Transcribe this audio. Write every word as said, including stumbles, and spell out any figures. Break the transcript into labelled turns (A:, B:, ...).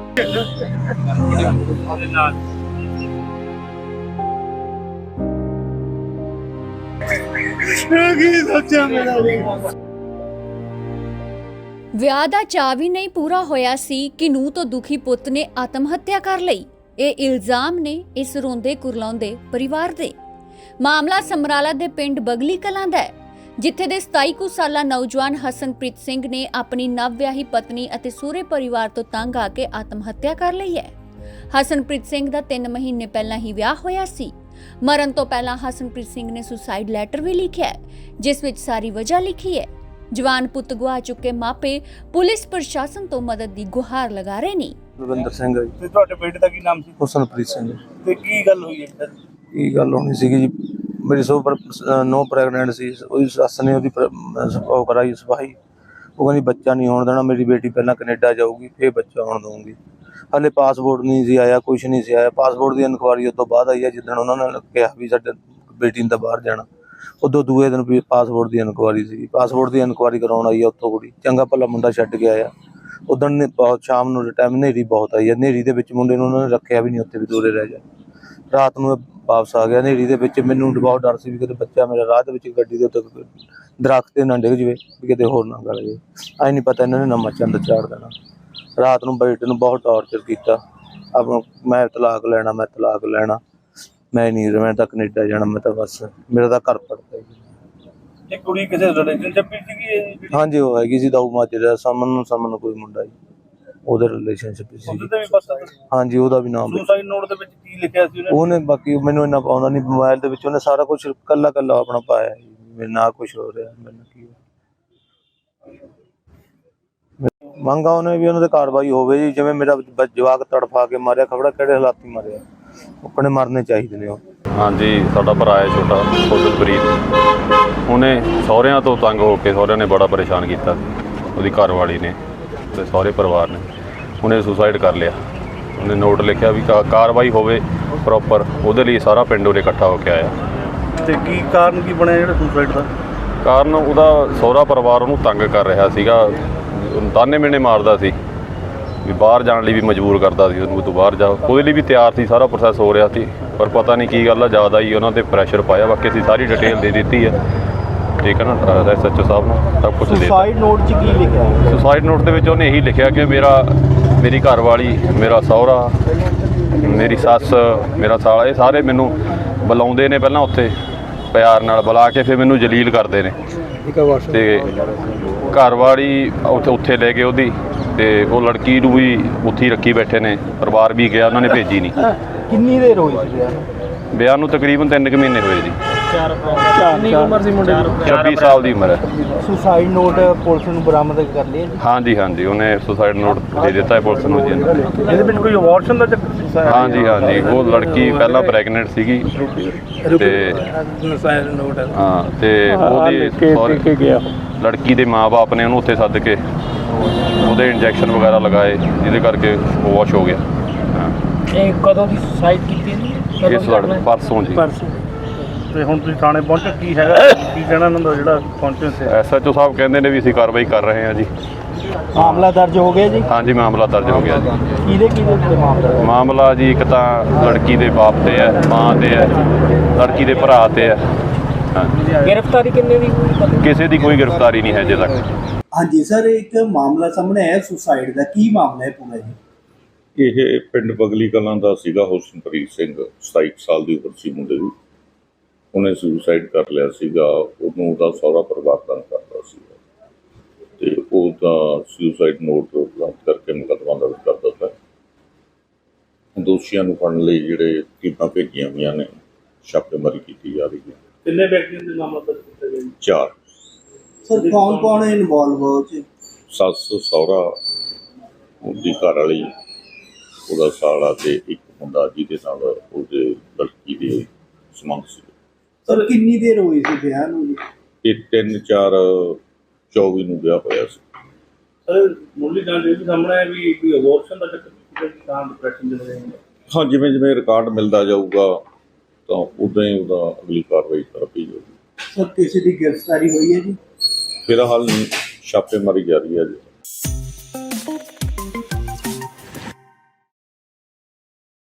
A: ਵਿਆਹ ਦਾ ਚਾਅ ਵੀ ਨਹੀਂ ਪੂਰਾ ਹੋਇਆ ਸੀ ਕਿ ਨੂੰਹ ਤੋਂ ਦੁਖੀ ਪੁੱਤ ਨੇ ਆਤਮ ਹੱਤਿਆ ਕਰ ਲਈ। ਇਹ ਇਲਜ਼ਾਮ ਨੇ ਇਸ ਰੋਂਦੇ ਕੁਰਲਾਉਂਦੇ ਪਰਿਵਾਰ ਦੇ। ਮਾਮਲਾ ਸਮਰਾਲਾ ਦੇ ਪਿੰਡ ਬਗਲੀ ਕਲਾਂ ਦਾ ਹੈ, ਜਿੱਥੇ ਦੇ ਸਤਾਈ ਕੁ ਸਾਲਾ ਨੌਜਵਾਨ ਹਸਨਪ੍ਰੀਤ ਸਿੰਘ ਨੇ ਆਪਣੀ ਨਵ ਵਿਆਹੀ ਪਤਨੀ ਅਤੇ ਸਹੁਰੇ ਪਰਿਵਾਰ ਤੋਂ ਤੰਗ ਆ ਕੇ ਆਤਮ ਹੱਤਿਆ ਕਰ ਲਈ ਹੈ। ਹਸਨਪ੍ਰੀਤ ਸਿੰਘ ਦਾ ਤਿੰਨ ਮਹੀਨੇ ਪਹਿਲਾਂ ਹੀ ਵਿਆਹ ਹੋਇਆ ਸੀ। ਮਰਨ ਤੋਂ ਪਹਿਲਾਂ ਹਸਨਪ੍ਰੀਤ ਸਿੰਘ ਨੇ ਸੁਸਾਈਡ ਲੈਟਰ ਵੀ ਲਿਖਿਆ ਹੈ, ਜਿਸ ਵਿੱਚ ਸਾਰੀ ਵਜ੍ਹਾ ਲਿਖੀ ਹੈ। ਜਵਾਨ ਪੁੱਤ ਗਵਾ ਚੁੱਕੇ ਮਾਪੇ ਪੁਲਿਸ ਪ੍ਰਸ਼ਾਸਨ ਤੋਂ ਮਦਦ ਦੀ ਗੁਹਾਰ ਲਗਾ ਰਹੇ ਨੇ।
B: ਰਵਿੰਦਰ ਸਿੰਘ ਜੀ।
C: ਤੇ ਤੁਹਾਡੇ ਬੇਟੇ ਦਾ ਕੀ ਨਾਮ ਸੀ?
B: ਹਸਨਪ੍ਰੀਤ ਸਿੰਘ।
C: ਤੇ ਕੀ ਗੱਲ ਹੋਈ ਹੈ ਸਰ?
B: ਕੀ ਗੱਲ ਹੋਣੀ ਸੀਗੀ ਜੀ, ਮੇਰੀ ਸੋ ਨੋ ਪ੍ਰੈਗਨੈਂਟ ਸੀ। ਉਹਦੀ ਸੱਸ ਨੇ ਉਹਦੀ ਉਹ ਕਰਾਈ ਸਫਾਈ। ਉਹ ਕਹਿੰਦੀ ਬੱਚਾ ਨਹੀਂ ਹੋਣ ਦੇਣਾ, ਮੇਰੀ ਬੇਟੀ ਪਹਿਲਾਂ ਕੈਨੇਡਾ ਜਾਊਗੀ ਫਿਰ ਬੱਚਾ ਹੋਣ ਦਊਂਗੀ। ਹਾਲੇ ਪਾਸਪੋਰਟ ਨਹੀਂ ਸੀ ਆਇਆ, ਕੁਛ ਨਹੀਂ ਸੀ ਆਇਆ। ਪਾਸਪੋਰਟ ਦੀ ਇਨਕੁਆਰੀ ਉਸ ਤੋਂ ਬਾਅਦ ਆਈ ਹੈ, ਜਿੱਦਣ ਉਹਨਾਂ ਨੇ ਕਿਹਾ ਵੀ ਸਾਡੇ ਬੇਟੀ ਨੇ ਤਾਂ ਬਾਹਰ ਜਾਣਾ। ਉਦੋਂ ਦੂਏ ਦਿਨ ਵੀ ਪਾਸਪੋਰਟ ਦੀ ਇਨਕੁਆਰੀ ਸੀ। ਪਾਸਪੋਰਟ ਦੀ ਇਨਕੁਆਰੀ ਕਰਾਉਣ ਆਈ ਆ ਉੱਥੋਂ ਕੁੜੀ, ਚੰਗਾ ਭਲਾ ਮੁੰਡਾ ਛੱਡ ਕੇ ਆਇਆ। ਉਦੋਂ ਨੇ ਬਹੁਤ ਸ਼ਾਮ ਨੂੰ ਟਾਈਮ ਹਨੇਰੀ ਬਹੁਤ ਆਈ ਹੈ। ਹਨੇਰੀ ਦੇ ਵਿੱਚ ਮੁੰਡੇ ਨੂੰ ਉਹਨਾਂ ਨੇ ਰੱਖਿਆ ਵੀ ਨਹੀਂ, ਉੱਥੇ ਵੀ ਦੂਰੇ ਰਹਿ ਜਾ। ਰਾਤ ਨੂੰ ਵਾਪਸ ਆ ਗਿਆ ਹਨੇਰੀ ਦੇ ਵਿੱਚ। ਮੈਨੂੰ ਬਹੁਤ ਡਰ ਸੀ ਵੀ ਕਿਤੇ ਬੱਚਾ ਮੇਰਾ ਰਾਹ ਦੇ ਵਿੱਚ ਗੱਡੀ ਦੇ ਉੱਤੇ ਦਰਖਤ ਤੇ ਨਾ ਡਿੱਗ ਜਾਵੇ, ਵੀ ਕਿਤੇ ਹੋਰ ਨਾ ਗਲ ਜਾਵੇ। ਐਂ ਨਹੀਂ ਪਤਾ ਇਹਨਾਂ ਨੇ ਨਵਾਂ ਚੰਦ ਚਾੜ ਦੇਣਾ। ਰਾਤ ਨੂੰ ਬੇਟੇ ਨੂੰ ਬਹੁਤ ਟਾਰਚਰ ਕੀਤਾ। ਆਪਣਾ ਮੈਂ ਤਲਾਕ ਲੈਣਾ, ਮੈਂ ਤਲਾਕ ਲੈਣਾ, ਮੈਂ ਨਹੀਂ ਮੈਂ ਤਾਂ ਕੈਨੇਡਾ ਜਾਣਾ, ਮੈਂ ਤਾਂ ਬਸ ਮੇਰਾ ਤਾਂ ਘਰ ਪੜਦਾ ਜੀ।
C: ਇਹ ਕੁੜੀ ਕਿਸੇ ਰਿਲੇਸ਼ਨਸ਼ਿਪ ਵਿੱਚ ਸੀਗੀ?
B: ਹਾਂਜੀ, ਉਹ ਹੈਗੀ ਸੀ ਦਾਊ ਮਾਜਰੇ ਸਮਨ ਨੂੰ ਸਮਨ ਕੋਈ ਮੁੰਡਾ ਜੀ, ਉਹਦੇ ਰਿਲੇਸ਼ਨਸ਼ਿਪ ਸੀ।
C: ਉਹਦੇ ਵੀ ਪਤਾ?
B: ਹਾਂਜੀ, ਉਹਦਾ ਵੀ ਨਾਮ
C: ਸੁਸਾਈਡ ਨੋਟ ਦੇ ਵਿੱਚ ਕੀ ਲਿਖਿਆ ਸੀ ਉਹਨੇ?
B: ਉਹਨੇ ਬਾਕੀ ਮੈਨੂੰ ਇੰਨਾ ਪਾਉਂਦਾ ਨਹੀਂ। ਮੋਬਾਈਲ ਦੇ ਵਿੱਚ ਉਹਨੇ ਸਾਰਾ ਕੁਝ ਕੱਲਾ ਕੱਲਾ ਆਪਣਾ ਪਾਇਆ ਜੀ। ਮੇਰੇ ਨਾਲ ਕੁਝ ਹੋ ਰਿਹਾ, ਮੈਨੂੰ ਕੀ ਮੰਗਾ ਉਹਨੇ ਵੀ ਉਹਨਾਂ ਦੇ ਕਾਰਵਾਈ ਹੋਵੇ ਜੀ। ਜਿਵੇਂ ਮੇਰਾ ਜਵਾਕ ਤੜਫਾ ਕੇ ਮਾਰਿਆ, ਖਬੜਾ ਕਿਹੜੇ ਹਾਲਾਤੀ ਮਾਰਿਆ, ਆਪਣੇ ਮਰਨੇ ਚਾਹੀਦੇ ਨੇ ਉਹ।
D: ਹਾਂਜੀ, ਸਾਡਾ ਭਰਾ ਹੈ ਛੋਟਾ ਫੁੱਲਪ੍ਰੀਤ। ਉਹਨੇ ਸਹੁਰਿਆਂ ਤੋਂ ਤੰਗ ਹੋ ਕੇ, ਸਹੁਰਿਆਂ ਨੇ ਬੜਾ ਪਰੇਸ਼ਾਨ ਕੀਤਾ, ਉਹਦੀ ਘਰਵਾਲੀ ਨੇ ਤੇ ਸਹੁਰੇ ਪਰਿਵਾਰ ਨੇ। ਉਹਨੇ ਸੁਸਾਈਡ ਕਰ ਲਿਆ। ਉਹਨੇ ਨੋਟ ਲਿਖਿਆ ਵੀ ਕਾ ਕਾਰਵਾਈ ਹੋਵੇ ਪ੍ਰੋਪਰ, ਉਹਦੇ ਲਈ ਸਾਰਾ ਪਿੰਡ ਉਹਨੇ ਇਕੱਠਾ ਹੋ ਕੇ ਆਇਆ।
C: ਤੇ ਕੀ ਕਾਰਨ ਕੀ ਬਣਿਆ ਜਿਹੜਾ ਸੁਸਾਈਡ ਦਾ?
D: ਕਾਰਨ ਉਹਦਾ ਸਹੁਰਾ ਪਰਿਵਾਰ ਉਹਨੂੰ ਤੰਗ ਕਰ ਰਿਹਾ ਸੀਗਾ, ਤਾਨੇ ਮਿਹਣੇ ਮਾਰਦਾ ਸੀ ਵੀ ਬਾਹਰ ਜਾਣ ਲਈ ਵੀ ਮਜਬੂਰ ਕਰਦਾ ਸੀ ਉਹਨੂੰ, ਤੂੰ ਬਾਹਰ ਜਾ। ਉਹਦੇ ਲਈ ਵੀ ਤਿਆਰ ਸੀ, ਸਾਰਾ ਪ੍ਰੋਸੈਸ ਹੋ ਰਿਹਾ ਸੀ, ਪਰ ਪਤਾ ਨਹੀਂ ਕੀ ਗੱਲ ਆ, ਜ਼ਿਆਦਾ ਹੀ ਉਹਨਾਂ 'ਤੇ ਪ੍ਰੈਸ਼ਰ ਪਾਇਆ। ਬਾਕੀ ਅਸੀਂ ਸਾਰੀ ਡਿਟੇਲ ਦੇ ਦਿੱਤੀ ਹੈ, ਠੀਕ ਹੈ ਨਾ, ਐਸ ਐਚ ਓ ਸਾਹਿਬ ਨੂੰ ਸਭ ਕੁਛ ਦੇ ਦਿੱਤਾ।
C: ਸੁਸਾਈਡ ਨੋਟ 'ਚ ਕੀ ਲਿਖਿਆ?
D: ਸੁਸਾਈਡ ਨੋਟ ਦੇ ਵਿੱਚ ਉਹਨੇ ਇਹੀ ਲਿਖਿਆ ਕਿ ਮੇਰਾ ਮੇਰੀ ਘਰਵਾਲੀ, ਮੇਰਾ ਸਹੁਰਾ, ਮੇਰੀ ਸੱਸ, ਮੇਰਾ ਸਾਲਾ, ਇਹ ਸਾਰੇ ਮੈਨੂੰ ਬੁਲਾਉਂਦੇ ਨੇ। ਪਹਿਲਾਂ ਉੱਥੇ ਪਿਆਰ ਨਾਲ ਬੁਲਾ ਕੇ ਫਿਰ ਮੈਨੂੰ ਜਲੀਲ ਕਰਦੇ ਨੇ। ਤੇ ਘਰਵਾਲੀ ਉੱਥੇ ਉੱਥੇ ਲੈ ਗਏ ਉਹਦੀ, ਤੇ ਉਹ ਲੜਕੀ ਨੂੰ ਵੀ ਉੱਥੇ ਹੀ ਰੱਖੀ ਬੈਠੇ ਨੇ। ਪਰਿਵਾਰ ਵੀ ਗਿਆ, ਉਹਨਾਂ ਨੇ ਭੇਜੀ ਨਹੀਂ।
C: ਕਿੰਨੀ ਦੇਰ ਹੋਈ ਸੀ
D: ਵਿਆਹ ਨੂੰ? ਤਕਰੀਬਨ ਤਿੰਨ ਕੁ ਮਹੀਨੇ ਹੋਏ ਜੀ।
C: ਕਿੰਨੀ ਉਮਰ ਸੀ ਮੁੰਡੇ ਦੀ?
D: ਛੱਬੀ ਸਾਲ ਦੀ ਉਮਰ ਹੈ।
C: ਸੁਸਾਈਡ ਨੋਟ ਪੁਲਿਸ ਨੂੰ ਬਰਾਮਦ ਕਰ ਲਿਆ ਜੀ?
D: ਹਾਂਜੀ ਹਾਂਜੀ, ਉਹਨੇ ਸੁਸਾਈਡ ਨੋਟ ਦੇ ਦਿੱਤਾ ਹੈ ਪੁਲਿਸ ਨੂੰ ਜੀ।
C: ਇਹਦੇ ਵਿੱਚ ਕੋਈ ਅਬੋਰਸ਼ਨ ਦਾ ਚੱਕਰ ਸੀ?
D: ਹਾਂਜੀ ਹਾਂਜੀ, ਉਹ ਲੜਕੀ ਪਹਿਲਾਂ ਪ੍ਰੈਗਨੈਂਟ ਸੀਗੀ ਤੇ ਹਾਂ, ਤੇ ਉਹਦੀ ਲੜਕੀ ਦੇ ਮਾਂ-ਬਾਪ ਨੇ ਉਹਨੂੰ ਉੱਥੇ ਸੱਦ ਕੇ ਉਹਦੇ ਇੰਜੈਕਸ਼ਨ ਵਗੈਰਾ ਲਗਾਏ, ਜਿਹਦੇ ਕਰਕੇ ਉਹ ਵਾਸ਼ ਹੋ ਗਿਆ।
E: ਇਹ ਕਦੋਂ ਦੀ ਸੁਸਾਈਡ ਕੀਤੀ ਜੀ?
D: ਇਸ ਲੜ ਪਰਸੋਂ ਜੀ।
C: ਤੇ ਹੁਣ ਤੁਸੀਂ ਥਾਣੇ ਪਹੁੰਚੇ, ਕੀ ਹੈਗਾ ਕੀ ਕਹਿਣਾ ਇਹਨਾਂ ਦਾ ਜਿਹੜਾ ਪਹੁੰਚੇ ਸੀ?
D: ਐਸ ਐਚ ਓ ਸਾਹਿਬ ਕਹਿੰਦੇ ਨੇ ਵੀ ਅਸੀਂ ਕਾਰਵਾਈ ਕਰ ਰਹੇ ਹਾਂ ਜੀ।
C: ਮਾਮਲਾ ਦਰਜ ਹੋ ਗਿਆ ਜੀ? ਹਾਂਜੀ,
D: ਮਾਮਲਾ ਦਰਜ ਹੋ ਗਿਆ ਜੀ।
C: ਕਿਹਦੇ ਕਿਹਦੇ ਉੱਤੇ ਮਾਮਲਾ?
D: ਮਾਮਲਾ ਜੀ ਇੱਕ ਤਾਂ ਲੜਕੀ ਦੇ ਬਾਪ ਤੇ ਹੈ, ਮਾਂ ਤੇ ਹੈ, ਲੜਕੀ ਦੇ ਭਰਾ ਤੇ ਹੈ।
E: ਗ੍ਰਿਫਤਾਰੀ ਕਿੰਨੇ ਦੀ ਹੋਈ?
D: ਕਿਸੇ ਦੀ ਕੋਈ ਗ੍ਰਿਫਤਾਰੀ ਨਹੀਂ ਹੈ ਅਜੇ ਤੱਕ।
F: ਹਾਂਜੀ ਸਰ, ਇੱਕ ਮਾਮਲਾ ਸਾਹਮਣੇ ਆਇਆ ਸੁਸਾਈਡ ਦਾ, ਕੀ ਮਾਮਲਾ ਹੈ ਪੂਰਾ ਜੀ?
G: ਇਹ ਪਿੰਡ ਬਗਲੀ ਕਲਾਂ ਦਾ ਸੀਗਾ ਹਸਨਪ੍ਰੀਤ ਸਿੰਘ, ਸਤਾਈ ਸਾਲ ਦੀ ਉਮਰ ਸੀ ਮੁੰਡੇ ਦੀ। ਉਹਨੇ ਸੁਸਾਈਡ ਕਰ ਲਿਆ ਸੀਗਾ। ਉਹਨੂੰ ਉਹਦਾ ਸਹੁਰਾ ਪਰਿਵਾਰ ਤੰਗ ਕਰਦਾ ਸੀਗਾ, ਤੇ ਉਹਦਾ ਸੁਸਾਈਡ ਨੋਟ ਪ੍ਰਾਪਤ ਕਰਕੇ ਮੁਕੱਦਮਾ ਦਰਜ ਕਰ ਦਿੱਤਾ। ਦੋਸ਼ੀਆਂ ਨੂੰ ਫੜਨ ਲਈ ਜਿਹੜੇ ਟੀਮਾਂ ਭੇਜੀਆਂ ਹੋਈਆਂ ਨੇ, ਛਾਪੇਮਾਰੀ ਕੀਤੀ ਜਾ ਰਹੀ ਹੈ।
C: ਕਿੰਨੇ ਵਿਅਕਤੀਆਂ ਦੇ ਨਾਮ ਦਰਜ ਕੀਤੇ ਗਏ?
G: ਚਾਰ।
F: ਸਰ ਕੌਣ ਕੌਣ ਹੈ ਇਨਵੋਲਵ ਹੋ ਚ?
G: ਸੱਸ, ਸਹੁਰਾ, ਉਹਦੀ ਘਰ ਵਾਲੀ, ਉਹਦਾ ਸਾਲਾ ਤੇ ਇੱਕ ਮੁੰਡਾ ਜਿਹਦੇ ਨਾਲ ਉਹਦੇ ਲੜਕੀ ਦੇ ਸੰਬੰਧ ਸੀ।
F: ਸਰ ਕਿੰਨੀ ਦੇਰ ਹੋਈ ਸੀ ਵਿਆਹ ਨੂੰ ਜੀ?
G: ਇਹ ਤਿੰਨ ਚਾਰ ਚੌਵੀ ਨੂੰ ਵਿਆਹ ਹੋਇਆ ਸੀ।
C: ਸਰ ਮੁੱਢਲੀ ਜਾਣਕਾਰੀ ਵੀ ਸਾਹਮਣੇ ਆਇਆ ਵੀ ਕੋਈ ਅਬੋਰਸ਼ਨ ਦਾ ਚੱਕਰ ਤਾਂ ਡਿਪਰੈਸ਼ਨ ਦੇ ਰਹੇ ਨੇ।
G: ਹਾਂ, ਜਿਵੇਂ ਜਿਵੇਂ ਰਿਕਾਰਡ ਮਿਲਦਾ ਜਾਊਗਾ ਤਾਂ ਉਦਾਂ ਹੀ ਉਹਦਾ ਅਗਲੀ ਕਾਰਵਾਈ ਕਰਦੀ ਜਾਊਗੀ।
F: ਸਰ ਕਿਸੇ ਦੀ ਗ੍ਰਿਫਤਾਰੀ ਹੋਈ ਹੈ ਜੀ?
G: ਫਿਲਹਾਲ ਛਾਪੇਮਾਰੀ ਜਾਰੀ ਹੈ ਜੀ।